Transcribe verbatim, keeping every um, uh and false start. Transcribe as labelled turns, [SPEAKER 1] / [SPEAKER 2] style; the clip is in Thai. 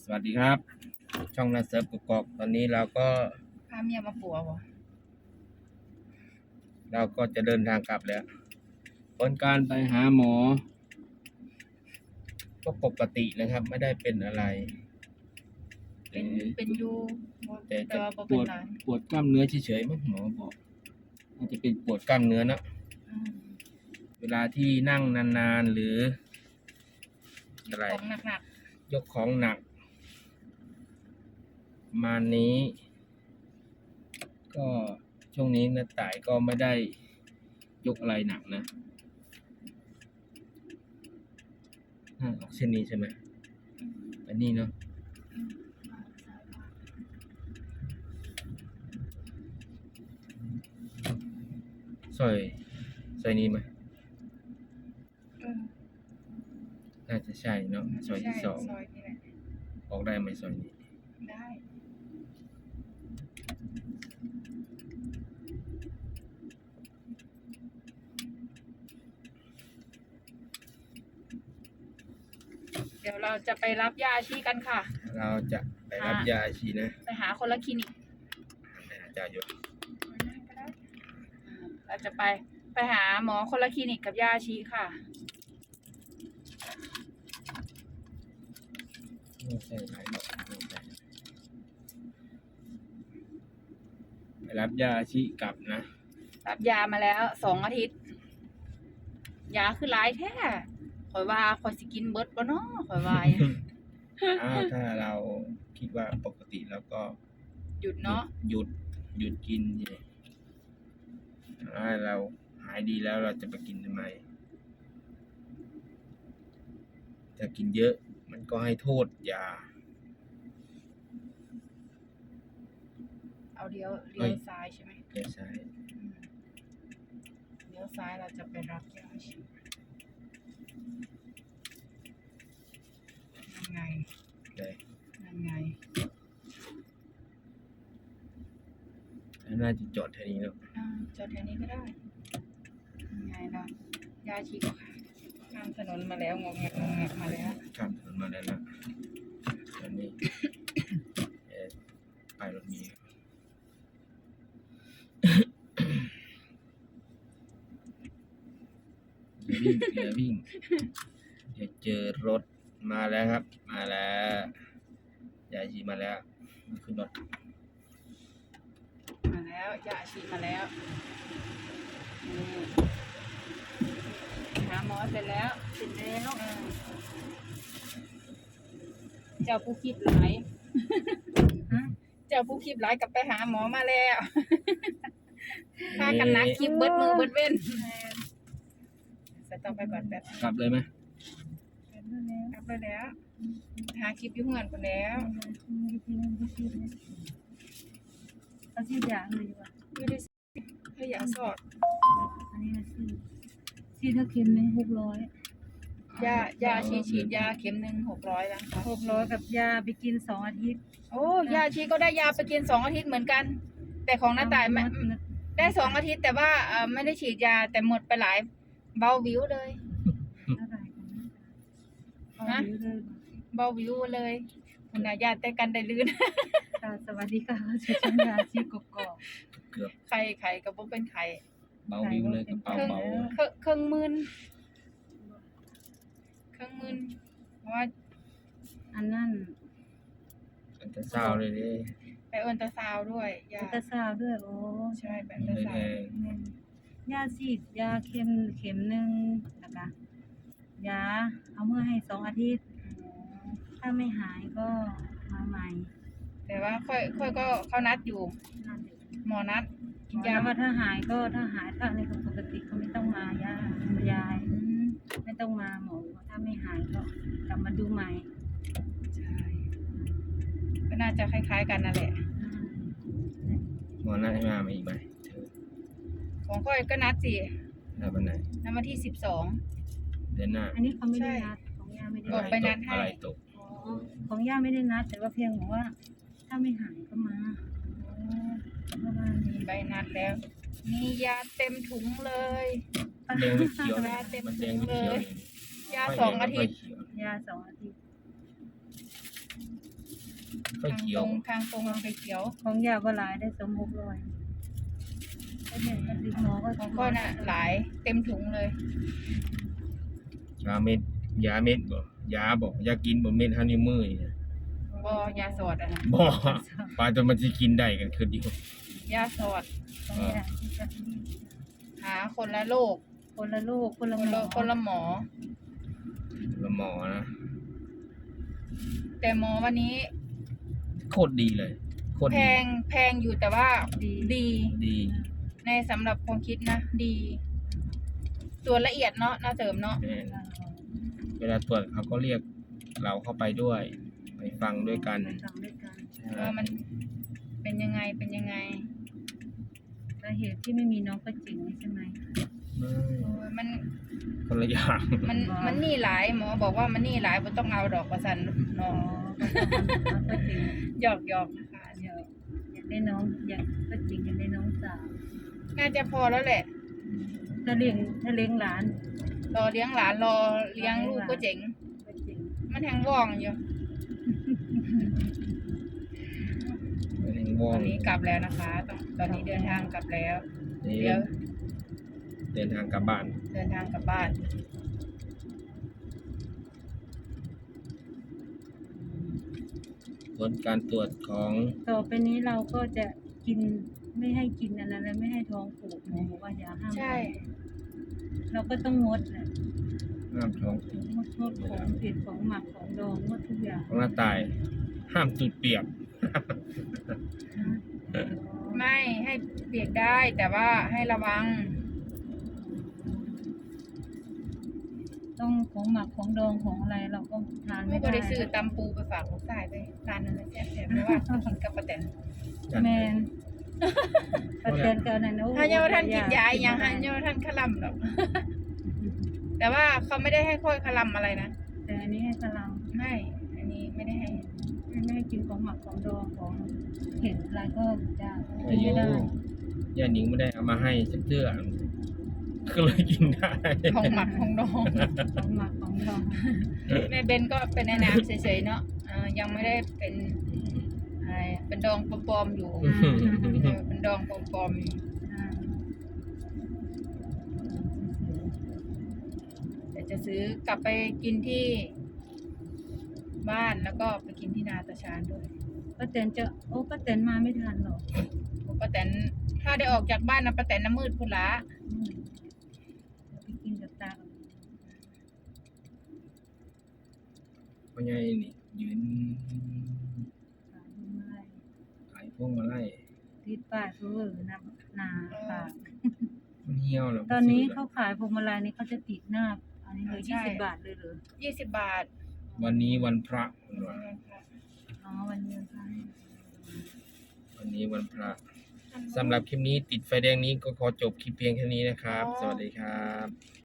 [SPEAKER 1] สวัสดีครับช่องนาเซิร์ฟกุกกอกตอนนี้เราก็
[SPEAKER 2] พาเมียมาปัวบ่
[SPEAKER 1] เราก็จะเดินทางกลับแล้วผลการไปหาหมอก็ปกตินะครับไม่ได้เป็นอะไร
[SPEAKER 2] เป็นเป็นอยู่
[SPEAKER 1] แต่
[SPEAKER 2] แต่
[SPEAKER 1] จะ
[SPEAKER 2] ว่าบ่
[SPEAKER 1] ป
[SPEAKER 2] เป็น
[SPEAKER 1] วด
[SPEAKER 2] หลาย
[SPEAKER 1] ปวดกล้ามเนื้อเฉยๆมั้งหมอบอกอาจจะเป็นปวดกล้ามเนื้อนะ
[SPEAKER 2] อืม
[SPEAKER 1] เวลาที่นั่งนานๆหรืออะไร
[SPEAKER 2] ของหนัก
[SPEAKER 1] ยกของหนักประมาณนี้ ก็ช่วงนี้นะต่ายก็ไม่ได้ยกอะไรหนักนะอ่าออกเช่นนี้ใช่ไหมอันนี้เนาะซอยซอยนี้ไหม
[SPEAKER 2] ๆเออ
[SPEAKER 1] น่าจะใช่เนาะซอยที่สอง
[SPEAKER 2] ซอยนี่แหละ
[SPEAKER 1] ออกได้ไหมซอยนี้
[SPEAKER 2] ได้ เดี๋ยวเราจะไปรับยาชีกันค่ะ
[SPEAKER 1] เราจะไปรับ
[SPEAKER 2] อ่ะ
[SPEAKER 1] ยาชีนะ
[SPEAKER 2] ไปหาคนละคลินิก
[SPEAKER 1] อาจารย์อยู่
[SPEAKER 2] เราจะไปไปหาหมอคนละคลินิกกับยาชีค่ะ
[SPEAKER 1] ไม่ใช่ไหนหรอกไม่ใช่ไปรับยาชีกลับนะ
[SPEAKER 2] รับยามาแล้วสองอาทิตย์ ยาคือหลายแท้ข่อยว่าข่อยสิกินเบิดบ่เนาะข่อยว่า
[SPEAKER 1] อ้าวถ้าเราคิดว่าปกติแล้วก็
[SPEAKER 2] หยุดเนาะ
[SPEAKER 1] หยุดหยุดกินสิถ้าเราหายดีแล้วเราจะไปกินทำไมถ้ากินเยอะมันก็ให้โทษยา
[SPEAKER 2] เอาเลี้ยวเลี้ยวซ้ายใช่ไหม
[SPEAKER 1] ไม่ใช่
[SPEAKER 2] อืมเลี้ยวซ้ายเราจะไปรับยาฉีดยังไง
[SPEAKER 1] เลย
[SPEAKER 2] ยังไง
[SPEAKER 1] น่าจะจอดแค่นี้แล้ว
[SPEAKER 2] อ่าจอดแถวนี้ก็ได้ยังไงล่ะยาฉีดข้ามถนนมาแล้วงงแงกงงแงกมาแล้ว
[SPEAKER 1] ข้ามถนนมาแล้วนะตอนนี้ เอ่อไปรถเมีอย่าวิ่งอย่าวิ่งอย่าเจอรถมาแล้วครับ มาแล้วยายชีมาแล้วขึ้นรถ
[SPEAKER 2] มาแล้วยาฉีดมาแล้วนี่หาหมอเสร็จแล้วเสร็จแล้วอ่าเจ้าผู้คิดหลาย เจ้าผู้คลิปหลายกับไปหาหมอมาแล้วพากันนักคลิปเบิดมือเบิดเว้นจะต้องไปก่อนแป๊บ
[SPEAKER 1] กลับเลยไหม
[SPEAKER 2] กลับไปแล้ว หาคลิปอยู่เฮือนคนแล้ว
[SPEAKER 3] เอาที่ยาเลยดีกว่า
[SPEAKER 2] ไม่ได้ถ้าอยากสอด
[SPEAKER 3] อันนี้นะที่ที่ถ้าเค็มไหมหกร้อย
[SPEAKER 2] ยายาฉีดฉีดยาเข็มหนึ่งหกร้อยแล้วค่ะ
[SPEAKER 3] หกร้อยกับยาไปกินสองอาทิตย์
[SPEAKER 2] โอ้ยาฉีดก็ได้ยาไปกินสองอาทิตย์เหมือนกัน แต่ของน้าต่ายไม่ได้สองอาทิตย์แต่ว่าเอ่อไม่ได้ฉีดยาแต่หมดไปหลายเบาวิวเลย
[SPEAKER 3] อะไรกันนะเอาอยู่เลย
[SPEAKER 2] เบาวิวเลยคุณนายาแต่กันได้ลื่น
[SPEAKER 3] ค่ะสวัสดีค่ะชื่อช่างยาชีกกอก
[SPEAKER 1] เกือบ
[SPEAKER 2] ไข่ไข่กับพวกเป็นไข่
[SPEAKER 1] เบาวิวเลยกระเป๋า
[SPEAKER 2] เครื่อง
[SPEAKER 1] เบา
[SPEAKER 2] เครื่องเครื่องมืนเครื่องมืนเพราะว่า
[SPEAKER 3] อันนั้น
[SPEAKER 1] อันจะเศร้าเลยดิ
[SPEAKER 2] ไปเอินตราซาวด์ด้วยยา
[SPEAKER 3] อัลตราซาวด์ด้วยโอ้
[SPEAKER 2] ใช่ไป
[SPEAKER 1] มั
[SPEAKER 2] เอิ
[SPEAKER 1] น
[SPEAKER 2] นต
[SPEAKER 1] เล
[SPEAKER 2] ราย ซาว
[SPEAKER 1] แพ
[SPEAKER 2] ด์
[SPEAKER 1] ง
[SPEAKER 3] อืมยาฉีดยาเข็มเข็มหนึ่งนะคะยาเอาเมื่อให้สองอาทิตย์ ถ้าไม่หายก็มาใหม่
[SPEAKER 2] แต่ว่าค่อยค่อยก็เขานัดอยู่
[SPEAKER 3] นั่นเอง
[SPEAKER 2] หมอนัดกินยาย
[SPEAKER 3] าว่าถ้าหายก็ถ้าหายถ้าอะไรปกติก็ไม่ต้องมายายาย
[SPEAKER 2] อืม
[SPEAKER 3] ไม่ต้องมาหมอถ้าไม่หายก็กลับมาดูใหม่
[SPEAKER 2] ใช่ก็น่าจะคล้ายๆกันนั่นแหละ
[SPEAKER 1] หมอนัดให้มามาอีกไหมเธอ
[SPEAKER 2] ของค่อยก็นัดสิ
[SPEAKER 1] นัดวันไหน
[SPEAKER 2] นัดวันที่สิบสอง
[SPEAKER 1] เดือนหน้า
[SPEAKER 3] อันนี้เขาไม่ได้นัดของย่าไม่ได้
[SPEAKER 2] บอก
[SPEAKER 3] นัด
[SPEAKER 2] ไปนัดให้
[SPEAKER 1] อะไรตก
[SPEAKER 3] อ๋อของย่าไม่ได้นัด แต่ว่าเพียงบอกว่า ถ้าไม่หายก็มาประมาณ
[SPEAKER 2] มี
[SPEAKER 3] นี้
[SPEAKER 2] ใบนัดแล้ว มียาเต็มถุงเลย
[SPEAKER 1] แดงไม่เขียวเลย
[SPEAKER 2] ยาเต็ม
[SPEAKER 1] มันแดงไม่เขียวเลย
[SPEAKER 2] ยาสองอาทิตย์
[SPEAKER 1] ไม่เขียว
[SPEAKER 3] ยาสองอาทิตย์
[SPEAKER 1] ไฟ
[SPEAKER 2] ทาง
[SPEAKER 1] เขี
[SPEAKER 2] ต
[SPEAKER 1] ยว
[SPEAKER 2] รงทางตรงมันไฟเขียว
[SPEAKER 3] ของยาบ่หลายได้สมหกร้อยก็เนี่ยก็ดึงหมอก็
[SPEAKER 2] ของก็น่ะหลายเต็มถุงเลย
[SPEAKER 1] ยาเม็ดยาเม็ดบ่ยาบ่ยากินบ่เม็ดเฮานิ้วมือนี่นะ
[SPEAKER 2] บ่ยาสอดอ่ะนะ
[SPEAKER 1] บ่ปลาจนมันสิกินได้กันคือดี
[SPEAKER 2] ยาสอด
[SPEAKER 3] ของเนี่ยที่จะ
[SPEAKER 2] หาคนละโรค
[SPEAKER 3] คนละลูกคนละ
[SPEAKER 2] คน
[SPEAKER 3] หม
[SPEAKER 2] ละ
[SPEAKER 3] อ
[SPEAKER 2] คนละหมอ
[SPEAKER 1] ละหมอนะ
[SPEAKER 2] แต่หมอวันนี้
[SPEAKER 1] โคตรดีเลยโคตร
[SPEAKER 2] แพ
[SPEAKER 1] ดี
[SPEAKER 2] งแพงอยู่แต่ว่า
[SPEAKER 3] ดี
[SPEAKER 2] ดี
[SPEAKER 1] ดี
[SPEAKER 2] ในสำหรับความคิดนะดีตรวจละเอียดเนาะน่าเสริมเนาะ
[SPEAKER 1] แม่นเวลาตรวจเขาก็เรียกเราเข้าไปด้วย ไปฟังด้วยกัน
[SPEAKER 3] ไปฟังด้วยกัน
[SPEAKER 2] ว่ามันเป็นยังไงเป็นยังไง
[SPEAKER 3] สาเหตุที่ไม่มีน้องก็จริงใช่ไหม
[SPEAKER 1] ไม่
[SPEAKER 2] โอ้ยมัน
[SPEAKER 1] คนละอย่าง
[SPEAKER 2] มันมันนี่หลายหมอบอกว่ามันนี่หลายบ่ต้องเอาดอกประสัน
[SPEAKER 3] อ๋
[SPEAKER 2] เนาะ
[SPEAKER 3] อก็จริง
[SPEAKER 2] หยอกหยอกนะคะ
[SPEAKER 3] เดี๋ยวอยากได้น้องอยากก็จริงอยากได้น้องสาว
[SPEAKER 2] น่าจะพอแล้วแหละ
[SPEAKER 3] ถ้าเลี้ยงถ้าเลี้ยงหลาน
[SPEAKER 2] รอเลี้ยงหลานรอเลี้ยงลูกก็เจ๋ง
[SPEAKER 3] ก็จริง
[SPEAKER 2] มันแทงว่องอยู่
[SPEAKER 1] ไม่ได้ว
[SPEAKER 2] ต
[SPEAKER 1] อ
[SPEAKER 2] อง นนี้กลับแล้วนะคะตอนตอนนี้เดินทางกลับแล้ว
[SPEAKER 1] นี่
[SPEAKER 2] เดี๋ยว
[SPEAKER 1] เดินทางกลับบ้าน
[SPEAKER 2] เดินทางกลับบ้าน
[SPEAKER 1] ผลการตรวจของ
[SPEAKER 3] ต่อไปนี้เราก็จะกินไม่ให้กินอะไรแล้วไม่ให้ท้องผูกหมอบอกว่าอย่าห้าม
[SPEAKER 2] ใช่
[SPEAKER 3] เราก็ต้องงดแหละ
[SPEAKER 1] ห้ามท้องผูก
[SPEAKER 3] งดงดของเผ็ดของหมักของดองงดทุกอย่าง
[SPEAKER 1] ของหน้าตาย ห้ามจุดเปียก
[SPEAKER 2] ไม่ให้เปียกได้แต่ว่าให้ระวัง
[SPEAKER 3] ต้องของหมักของดองของอะไรเราก็ทาน
[SPEAKER 2] ไม่
[SPEAKER 3] ไม่
[SPEAKER 2] ก็
[SPEAKER 3] ได้
[SPEAKER 2] ได้ซื้อตำปูไปฝากลูกชายไปร้านนั้นนะแซ่บๆเพราะว่าเขากินกับป้าแตน
[SPEAKER 1] จัด
[SPEAKER 3] แม
[SPEAKER 1] เลย
[SPEAKER 3] นประเทศเกันนั่นโอ้
[SPEAKER 2] ถ้าเยาท่านกินยาอีกอย่างฮะเยาท่านขลำหรอก แต่ว่าเขาไม่ได้ให้ค่อยขลำอะไรนะ
[SPEAKER 3] แต่อันนี้ให้พลัง
[SPEAKER 2] ไม่อันนี้ไม่ได้ให้
[SPEAKER 3] ไม่ให้กินของหมักของดองของเผ็ดอะไรก็จะ
[SPEAKER 1] อายุ
[SPEAKER 3] ไม่ได้
[SPEAKER 1] ย่าหนิงไม่ได้เอามาให้สักเทื่อก็เลยกินได้
[SPEAKER 2] ของหมักของดอง
[SPEAKER 3] ของหมักของดอง
[SPEAKER 2] แม่เบนก็เป็นในน้ำเฉยๆเนาะเอ่อยังไม่ได้เป็นอะไรเป็นดองปลอมๆอยู่เออเป็นดองปลอมๆอยู่
[SPEAKER 3] อ่า
[SPEAKER 2] แต่จะซื้อกลับไปกินที่บ้านแล้วก็ไปกินที่นาตาชานด้วย
[SPEAKER 3] ป้าแตนจะโอ้ป้าแตนมาไม่ทันหรอก
[SPEAKER 2] ป้าแตนถ้าได้ออกจากบ้านนะป้าแตนน้ำมืดพุ่นละ
[SPEAKER 3] อืมไปกินกับตากับ
[SPEAKER 1] เพราะไงนี่ยืน
[SPEAKER 3] ตาดูไม้
[SPEAKER 1] ขายพวงมาไล่
[SPEAKER 3] ติดป้ายเพื่อนะนาปาก
[SPEAKER 1] มันเหี่ยวแล้ว
[SPEAKER 3] ตอนนี้
[SPEAKER 1] ซื้
[SPEAKER 3] เขาขายพวงมาลัยนี่เขาจะติดหน้า อันนี้เลยยี่สิบบาทเลยเหรอ
[SPEAKER 2] ยี่สิบบาท
[SPEAKER 1] วันนี้วันพระคุณว่า
[SPEAKER 3] อ๋อวันเดียวค่ะ
[SPEAKER 1] วันนี้วันพระสำหรับคลิปนี้ติดไฟแดงนี้ก็ขอจบคลิปเพียงแค่นี้นะครับ สวัสดีครับ